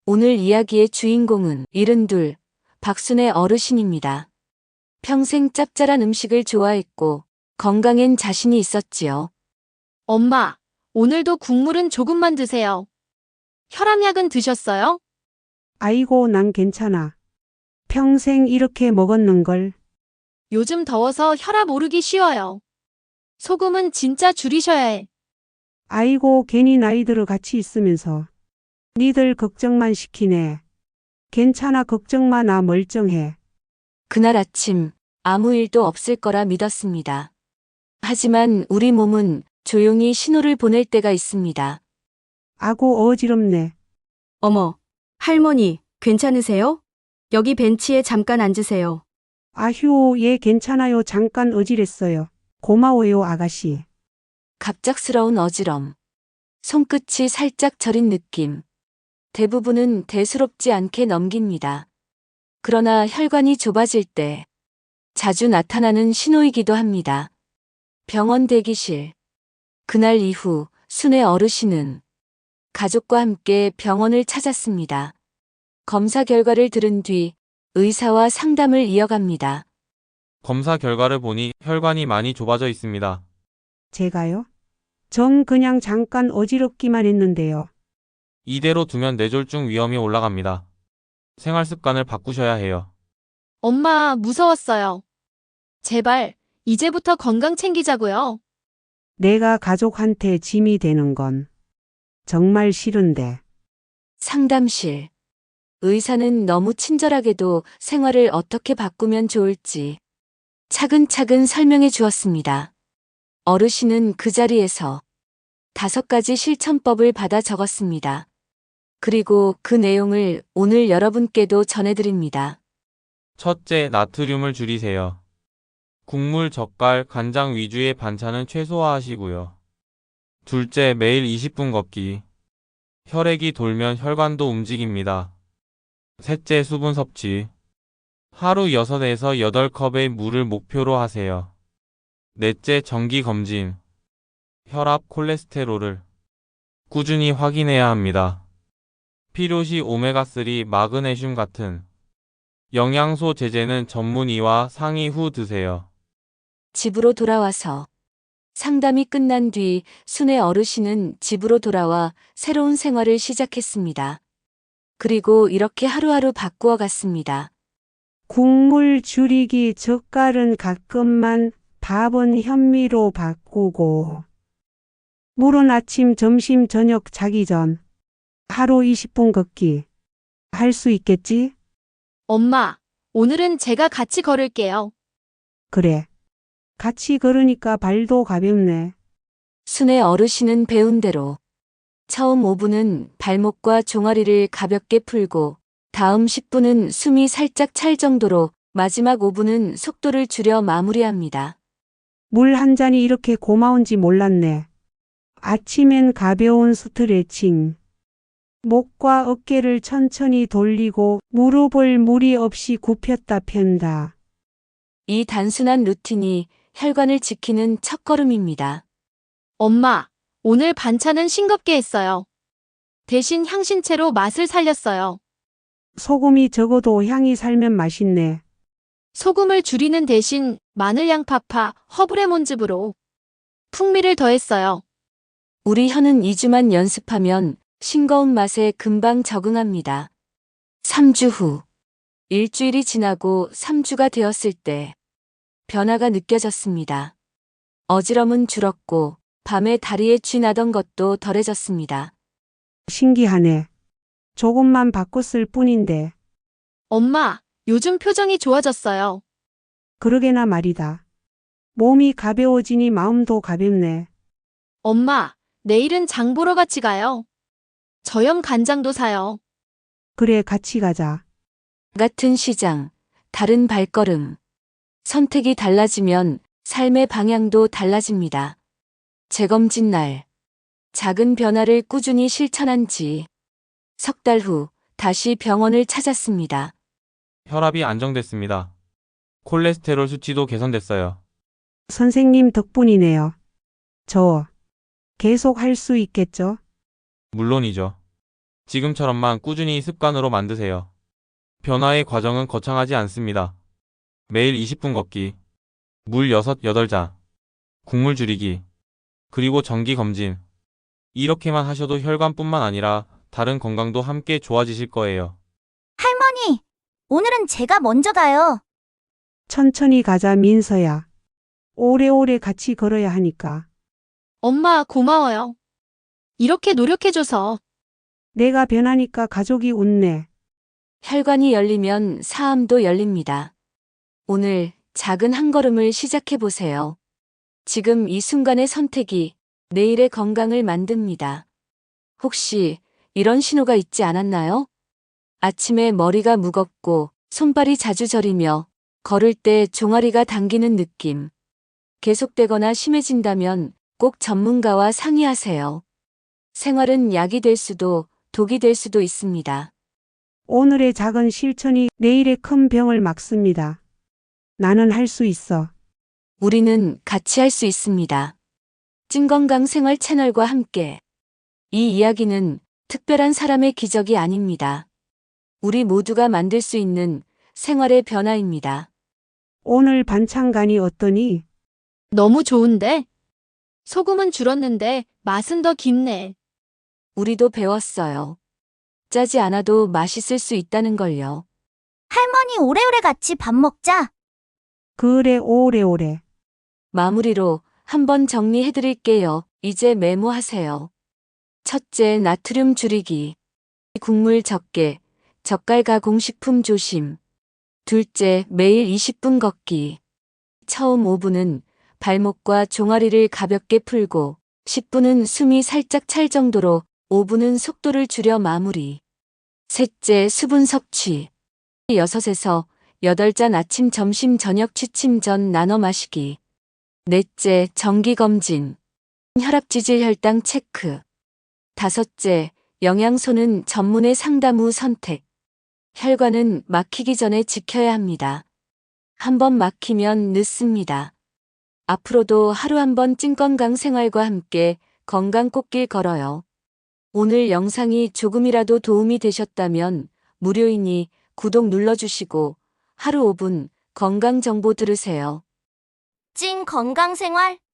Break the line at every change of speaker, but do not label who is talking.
오늘 이야기의 주인공은 72, 박순애 어르신입니다. 평생 짭짤한 음식을 좋아했고 건강엔 자신이 있었지요.
엄마, 오늘도 국물은 조금만 드세요. 혈압약은 드셨어요?
아이고, 난 괜찮아. 평생 이렇게 먹었는걸.
요즘 더워서 혈압 오르기 쉬워요. 소금은 진짜 줄이셔야 해.
아이고, 괜히 나이 들어 같이 있으면서. 니들 걱정만 시키네. 괜찮아, 걱정 마, 나 멀쩡해.
그날 아침 아무 일도 없을 거라 믿었습니다. 하지만 우리 몸은 조용히 신호를 보낼 때가 있습니다.
아고, 어지럽네.
어머, 할머니, 괜찮으세요? 여기 벤치에 잠깐 앉으세요.
아휴, 예, 괜찮아요. 잠깐 어지랬어요. 고마워요, 아가씨.
갑작스러운 어지럼. 손끝이 살짝 저린 느낌. 대부분은 대수롭지 않게 넘깁니다. 그러나 혈관이 좁아질 때 자주 나타나는 신호이기도 합니다. 병원 대기실. 그날 이후 순애 어르신은 가족과 함께 병원을 찾았습니다. 검사 결과를 들은 뒤 의사와 상담을 이어갑니다.
검사 결과를 보니 혈관이 많이 좁아져 있습니다.
제가요? 전 그냥 잠깐 어지럽기만 했는데요.
이대로 두면 뇌졸중 위험이 올라갑니다. 생활 습관을 바꾸셔야 해요.
엄마, 무서웠어요. 제발, 이제부터 건강 챙기자고요.
내가 가족한테 짐이 되는 건 정말 싫은데.
상담실. 의사는 너무 친절하게도 생활을 어떻게 바꾸면 좋을지 차근차근 설명해 주었습니다. 어르신은 그 자리에서 5가지 실천법을 받아 적었습니다. 그리고 그 내용을 오늘 여러분께도 전해드립니다.
첫째, 나트륨을 줄이세요. 국물, 젓갈, 간장 위주의 반찬은 최소화하시고요. 둘째, 매일 20분 걷기. 혈액이 돌면 혈관도 움직입니다. 셋째, 수분 섭취. 하루 6에서 8컵의 물을 목표로 하세요. 넷째, 정기 검진. 혈압, 콜레스테롤을 꾸준히 확인해야 합니다. 필요시 오메가3, 마그네슘 같은 영양소 제제는 전문의와 상의 후 드세요.
집으로 돌아와서 상담이 끝난 뒤 순애 어르신은 집으로 돌아와 새로운 생활을 시작했습니다. 그리고 이렇게 하루하루 바꾸어 갔습니다.
국물 줄이기, 젓갈은 가끔만, 밥은 현미로 바꾸고. 물은 아침, 점심, 저녁 자기 전. 하루 20분 걷기. 할 수 있겠지?
엄마, 오늘은 제가 같이 걸을게요.
그래. 같이 걸으니까 발도 가볍네.
순애 어르신은 배운 대로 처음 5분은 발목과 종아리를 가볍게 풀고 다음 10분은 숨이 살짝 찰 정도로 마지막 5분은 속도를 줄여 마무리합니다.
물 한 잔이 이렇게 고마운지 몰랐네. 아침엔 가벼운 스트레칭. 목과 어깨를 천천히 돌리고 무릎을 무리 없이 굽혔다 편다.
이 단순한 루틴이 혈관을 지키는 첫걸음입니다.
엄마, 오늘 반찬은 싱겁게 했어요. 대신 향신채로 맛을 살렸어요.
소금이 적어도 향이 살면 맛있네.
소금을 줄이는 대신 마늘 양파파, 허브레몬즙으로 풍미를 더했어요.
우리 혀는 2주만 연습하면 싱거운 맛에 금방 적응합니다. 3주 후, 일주일이 지나고 3주가 되었을 때 변화가 느껴졌습니다. 어지럼은 줄었고 밤에 다리에 쥐 나던 것도 덜해졌습니다.
신기하네. 조금만 바꿨을 뿐인데.
엄마, 요즘 표정이 좋아졌어요.
그러게나 말이다. 몸이 가벼워지니 마음도 가볍네.
엄마, 내일은 장 보러 같이 가요. 저염 간장도 사요.
그래, 같이 가자.
같은 시장, 다른 발걸음. 선택이 달라지면 삶의 방향도 달라집니다. 재검진 날. 작은 변화를 꾸준히 실천한 지 석 달 후 다시 병원을 찾았습니다.
혈압이 안정됐습니다. 콜레스테롤 수치도 개선됐어요.
선생님 덕분이네요. 저 계속 할 수 있겠죠?
물론이죠. 지금처럼만 꾸준히 습관으로 만드세요. 변화의 과정은 거창하지 않습니다. 매일 20분 걷기, 물 6, 8잔, 국물 줄이기, 그리고 정기 검진. 이렇게만 하셔도 혈관뿐만 아니라 다른 건강도 함께 좋아지실 거예요.
할머니, 오늘은 제가 먼저 가요.
천천히 가자, 민서야. 오래오래 같이 걸어야 하니까.
엄마, 고마워요. 이렇게 노력해줘서.
내가 변하니까 가족이 웃네.
혈관이 열리면 사암도 열립니다. 오늘 작은 한 걸음을 시작해 보세요. 지금 이 순간의 선택이 내일의 건강을 만듭니다. 혹시 이런 신호가 있지 않았나요? 아침에 머리가 무겁고 손발이 자주 저리며 걸을 때 종아리가 당기는 느낌. 계속되거나 심해진다면 꼭 전문가와 상의하세요. 생활은 약이 될 수도 독이 될 수도 있습니다.
오늘의 작은 실천이 내일의 큰 병을 막습니다. 나는 할 수 있어.
우리는 같이 할 수 있습니다. 찐건강 생활 채널과 함께. 이 이야기는 특별한 사람의 기적이 아닙니다. 우리 모두가 만들 수 있는 생활의 변화입니다.
오늘 반찬간이 어떠니?
너무 좋은데? 소금은 줄었는데 맛은 더 깊네.
우리도 배웠어요. 짜지 않아도 맛있을 수 있다는 걸요.
할머니, 오래오래 같이 밥 먹자.
그래, 오래오래.
마무리로 한번 정리해 드릴게요. 이제 메모하세요. 첫째, 나트륨 줄이기. 국물 적게, 젓갈 가공식품 조심. 둘째, 매일 20분 걷기. 처음 5분은 발목과 종아리를 가볍게 풀고 10분은 숨이 살짝 찰 정도로 5분은 속도를 줄여 마무리. 셋째, 수분 섭취. 6에서 8잔 아침, 점심, 저녁 취침 전 나눠 마시기. 넷째, 정기검진. 혈압지질 혈당 체크. 다섯째, 영양소는 전문의 상담 후 선택. 혈관은 막히기 전에 지켜야 합니다. 한번 막히면 늦습니다. 앞으로도 하루 한 번 찐건강 생활과 함께 건강 꽃길 걸어요. 오늘 영상이 조금이라도 도움이 되셨다면 무료이니 구독 눌러주시고 하루 5분 건강 정보 들으세요.
찐 건강 생활